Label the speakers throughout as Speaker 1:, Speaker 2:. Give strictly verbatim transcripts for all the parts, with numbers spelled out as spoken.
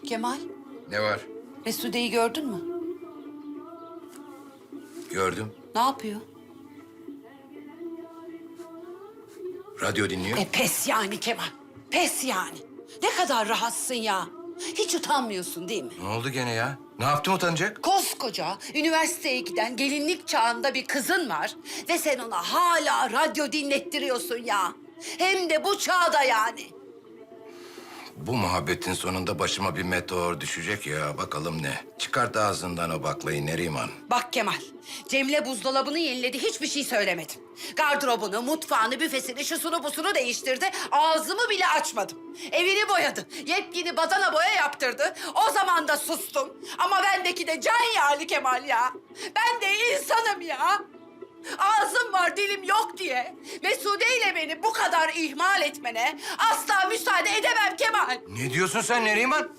Speaker 1: Kemal,
Speaker 2: Ne var?
Speaker 1: Mesude'yi gördün mü?
Speaker 2: Gördüm.
Speaker 1: Ne yapıyor?
Speaker 2: Radyo dinliyor.
Speaker 1: E pes yani Kemal, pes yani. Ne kadar rahatsın ya. Hiç utanmıyorsun değil mi?
Speaker 2: Ne oldu gene ya? Ne yaptım utanacak?
Speaker 1: Koskoca üniversiteye giden gelinlik çağında bir kızın var ve sen ona hala radyo dinlettiriyorsun ya. Hem de bu çağda yani.
Speaker 2: Bu muhabbetin sonunda başıma bir meteor düşecek ya. Bakalım ne? Çıkart ağzından o baklayı Neriman.
Speaker 1: Bak Kemal, Cemile buzdolabını yeniledi, hiçbir şey söylemedim. Gardırobunu, mutfağını, büfesini, şusunu busunu değiştirdi. Ağzımı bile açmadım. Evini boyadı, yepyeni badana boya yaptırdı. O zaman da sustum. Ama bendeki de can yağlı Kemal ya. Ben de insanım ya. Ağzım var, dilim yok diye Mesude ile beni bu kadar ihmal etmene asla müsaade edemem Kemal.
Speaker 2: Ne diyorsun sen Neriman?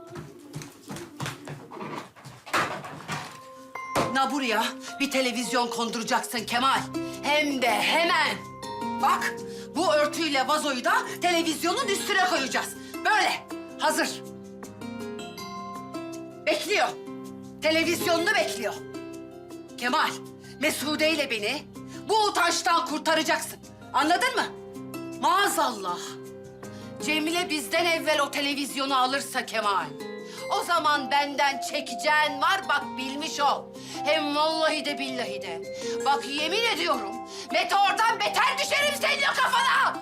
Speaker 1: Na buraya bir televizyon konduracaksın Kemal. Hem de hemen. Bak, bu örtüyle vazoyu da televizyonun üstüne koyacağız. Böyle, hazır. Bekliyor. Televizyonunu bekliyor. Kemal, Mesude ile beni bu utançtan kurtaracaksın. Anladın mı? Maazallah. Cemile bizden evvel o televizyonu alırsa Kemal, o zaman benden çekeceğin var, bak bilmiş ol. Hem vallahi de billahi de. Bak yemin ediyorum, meteordan beter düşerim senin o kafana.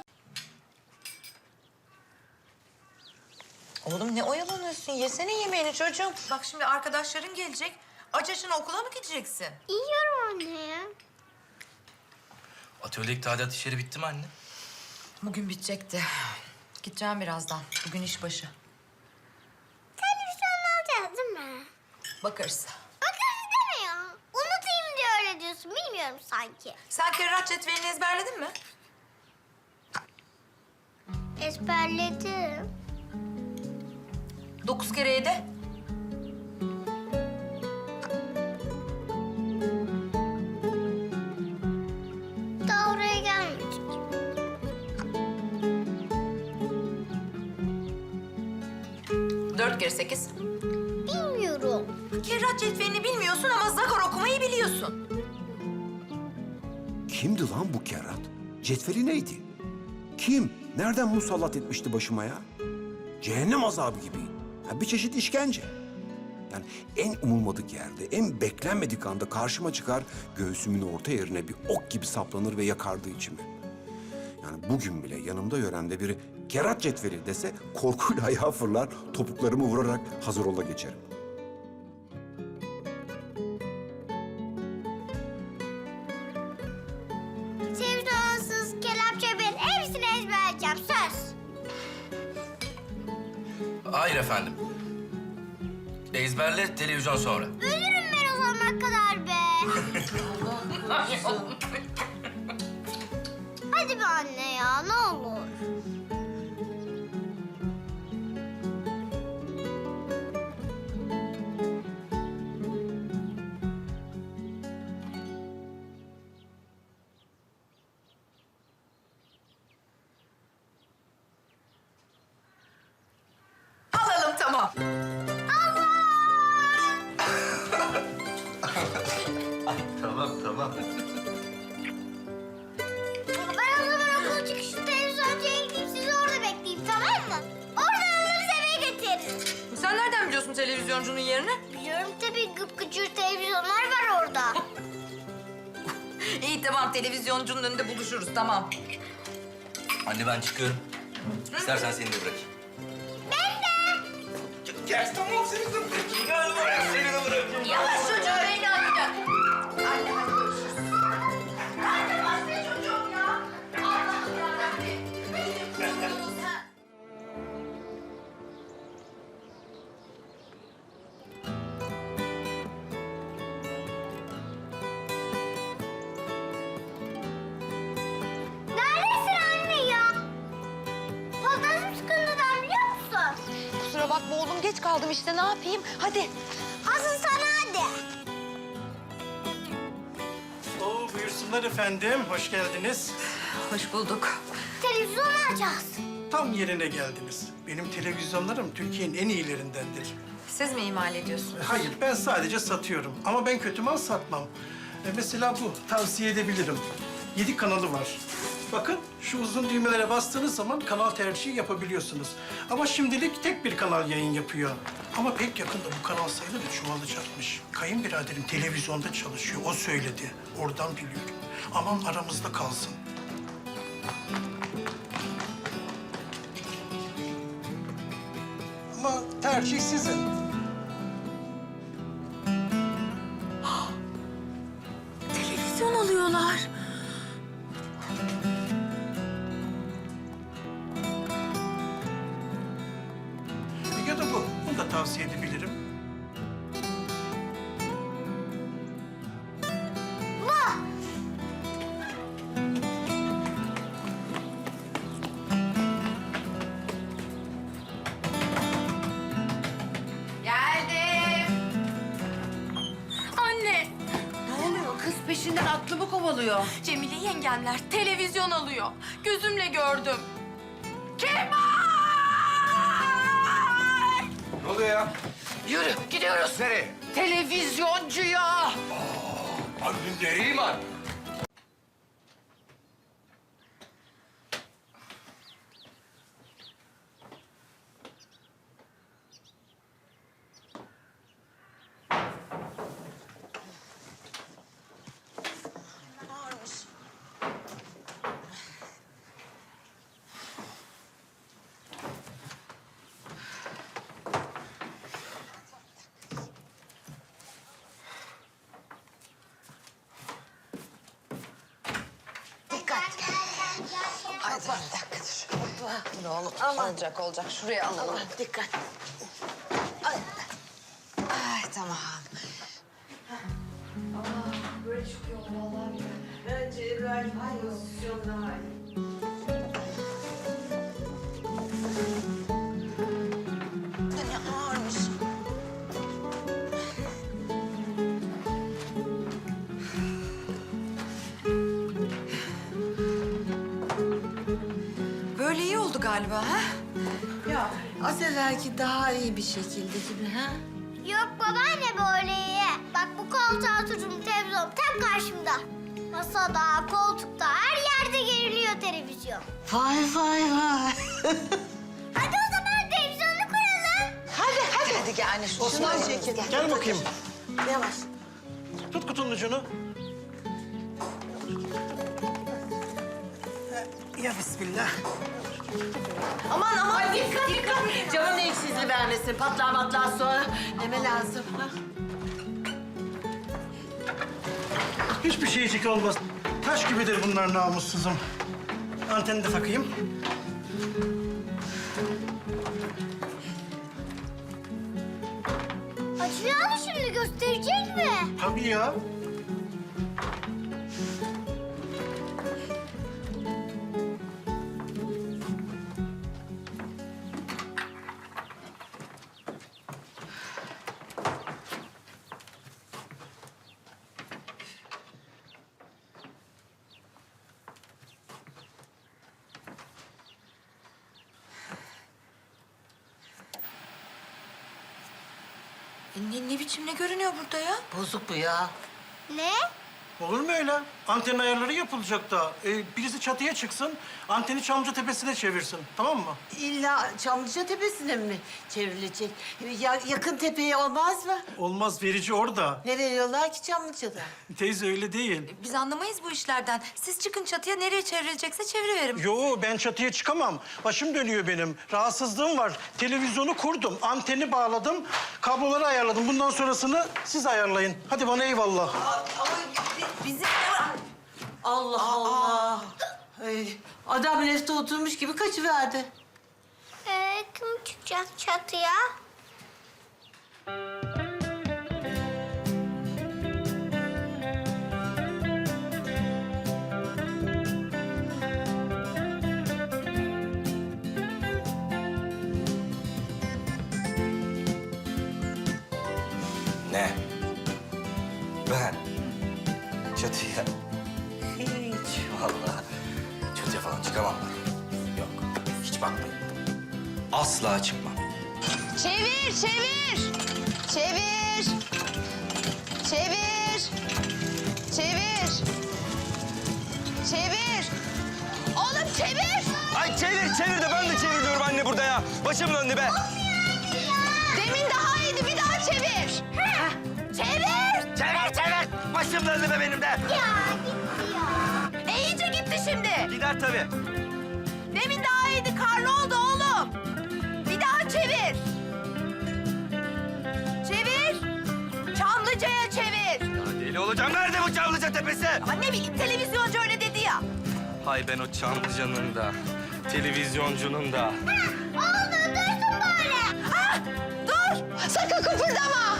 Speaker 3: Oğlum ne oyalanıyorsun? Yesene yemeğini çocuğum. Bak şimdi arkadaşların gelecek. Aç açına okula mı gideceksin?
Speaker 4: Yiyorum anne ya.
Speaker 5: Atölyedeki tadilat işleri bitti mi anne?
Speaker 3: Bugün bitecekti. Gideceğim birazdan. Bugün iş başı.
Speaker 4: Televizyon alacağız değil mi?
Speaker 3: Bakarız.
Speaker 4: Bakarız deme ya. Unutayım diye öyle diyorsun. Bilmiyorum sanki.
Speaker 3: Sen kerrat cetvelini ezberledin mi?
Speaker 4: Ezberledim.
Speaker 3: Dokuz kere yedi.
Speaker 4: Daha oraya gelmedik.
Speaker 3: Dört kere sekiz.
Speaker 4: Bilmiyorum.
Speaker 3: Kerrat cetvelini bilmiyorsun ama zakor okumayı biliyorsun.
Speaker 6: Kimdi lan bu kerrat? Cetveli neydi? Kim? Nereden musallat etmişti başıma ya? Cehennem azabı gibi. Ha, bir çeşit işkence. Yani en umulmadık yerde, en beklenmedik anda karşıma çıkar, göğsümün orta yerine bir ok gibi saplanır ve yakardı içimi. Yani bugün bile yanımda yöremde biri kerrat cetveli dese korkuyla ayağa fırlar, topuklarımı vurarak hazır ola geçerim.
Speaker 4: Televizyonsuz, kelepçe bir hepsini ezberleyeceğim. Söz.
Speaker 5: Hayır efendim. Ezberle, televizyon sonra.
Speaker 4: Ölürüm ben o zamana kadar be. Hadi be anne ya, ne olur.
Speaker 3: Alalım tamam.
Speaker 5: Tamam, tamam.
Speaker 4: Ben o zaman okul çıkışı televizyoncuya gideyim, sizi orada bekleyeyim, tamam mı? Oradan alırız eve getiririz.
Speaker 3: Sen nereden biliyorsun televizyoncunun yerini?
Speaker 4: Biliyorum tabii, gıpgıcır televizyonlar var orada.
Speaker 3: İyi tamam, televizyoncunun önünde buluşuruz tamam.
Speaker 5: Anne ben çıkıyorum. İstersen seni de bırakayım.
Speaker 3: Yavaş çocuğum, beni atacak. Anne hadi görüşürüz. Anne bas be çocuğum ya. Allah'ım yarabbim. Benim kuzunuz ha.
Speaker 4: Neredesin anne ya? Fantasım sıkıntıdan biliyor musun?
Speaker 3: Kusura bakma oğlum, geç kaldım işte, ne yapayım? Hadi.
Speaker 4: Asıl sana hadi.
Speaker 7: Oo, buyursunlar efendim. Hoş geldiniz.
Speaker 3: Hoş bulduk.
Speaker 4: Televizyon alacağız.
Speaker 7: Tam yerine geldiniz. Benim televizyonlarım Türkiye'nin en iyilerindendir.
Speaker 3: Siz mi imal ediyorsunuz?
Speaker 7: Hayır, ben sadece satıyorum. Ama ben kötü mal satmam. E, mesela bu, tavsiye edebilirim. Yedi kanalı var. Bakın, şu uzun düğmelere bastığınız zaman kanal tercihi yapabiliyorsunuz. Ama şimdilik tek bir kanal yayın yapıyor. Ama pek yakında bu kanal sayıları çoğalacakmış. Kayınbiraderim televizyonda çalışıyor, o söyledi. Oradan biliyorum. Aman aramızda kalsın. Ama tercih sizin.
Speaker 3: Televizyon alıyorlar.
Speaker 7: Ya da bu. Bunu da tavsiye edebilirim.
Speaker 1: Geldim.
Speaker 3: Anne,
Speaker 1: Ne oluyor? Kız peşinden aklımı kovalıyor.
Speaker 3: Cemile yengemler televizyon alıyor. Gözümle gördüm.
Speaker 2: Ne oluyor ya?
Speaker 1: Yürü, gidiyoruz.
Speaker 2: Nereye?
Speaker 1: Televizyoncuya.
Speaker 2: Abi nereye var?
Speaker 8: Ay dur bir dakika dur. Ne olur olacak olacak. Şuraya alalım. Dikkat. Ay. Ay tamam. Ne ağırmış.
Speaker 3: Böyle iyi oldu galiba ha?
Speaker 8: Ya az evvelki daha iyi bir şekilde gibi ha?
Speaker 4: Yok babaanne böyle iyi. Bak bu koltuğa oturdum, televizyon tam karşımda. Masada, koltukta, her yerde geriliyor televizyon.
Speaker 8: Vay vay vay.
Speaker 4: Hadi o zaman televizyonu kuralım.
Speaker 8: Hadi hadi. Hadi gel anne şunu
Speaker 7: Osman,
Speaker 8: çekin.
Speaker 7: gel bakayım.
Speaker 8: Yavaş.
Speaker 7: Tut kutunun ucunu. Ya bismillah.
Speaker 8: Aman aman dikkat dikkat. Canın eksiğini vermesin. Patlar patlar sonra. Neme lazım? Ha?
Speaker 7: Hiçbir şeycik olmaz. Taş gibidir bunlar namussuzum. Anteni de takayım.
Speaker 4: Açıyor mu şimdi, gösterecek mi?
Speaker 7: Tabii ya.
Speaker 3: E, ne, ne biçim ne görünüyor burada ya?
Speaker 8: Bozuk bu ya.
Speaker 4: Ne?
Speaker 7: Olur mu öyle? Anten ayarları yapılacak da. Ee, birisi çatıya çıksın, anteni Çamlıca Tepesi'ne çevirsin. Tamam mı?
Speaker 8: İlla Çamlıca Tepesi'ne mi çevrilecek? Ya, yakın tepeye olmaz mı?
Speaker 7: Olmaz, verici orada.
Speaker 8: Ne veriyorlar ki Çamlıca'da?
Speaker 7: Teyze öyle değil.
Speaker 3: Biz anlamayız bu işlerden. Siz çıkın çatıya, nereye çevrilecekse çeviriverin.
Speaker 7: Yo, ben çatıya çıkamam. Başım dönüyor benim. Rahatsızlığım var. Televizyonu kurdum, anteni bağladım, kabloları ayarladım. Bundan sonrasını siz ayarlayın. Hadi bana eyvallah.
Speaker 8: Bizim Allah Allah. Ay, adam lefte oturmuş gibi kaçıverdi.
Speaker 4: Ee, kim çıkacak çatıya?
Speaker 5: Ne? Ben? Çatıya? Hiç vallahi. Çatıya falan çıkamam ben. Yok, hiç bakmadım. asla çıkmam.
Speaker 8: Çevir, çevir. Çevir. Çevir. Çevir. Çevir. Oğlum çevir.
Speaker 9: Ay çevir çevir de ben de çevir diyorum anne burada ya. Başım döndü be.
Speaker 8: Demin daha iyiydi, bir daha çevir. Çevir.
Speaker 9: Çevir çevir. Başım döndü be benim de.
Speaker 4: Ya gitti ya.
Speaker 8: E, iyice gitti şimdi.
Speaker 9: Gider tabii.
Speaker 8: Demin daha iyiydi, karlı oldu oğlum. Bir daha çevir. Çevir. Çamlıca'ya çevir.
Speaker 9: Ya deli olacağım. Nerede bu Çamlıca Tepesi?
Speaker 8: Anne bileyim, televizyoncu öyle dedi ya.
Speaker 9: Hay ben o Çamlıca'nın da, televizyoncunun da.
Speaker 4: Oldu dursun böyle.
Speaker 8: Ah, dur. Sakın kıpırdama.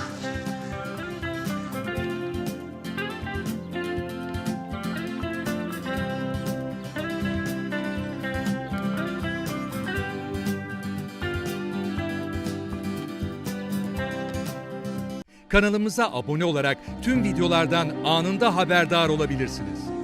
Speaker 10: Kanalımıza abone olarak tüm videolardan anında haberdar olabilirsiniz.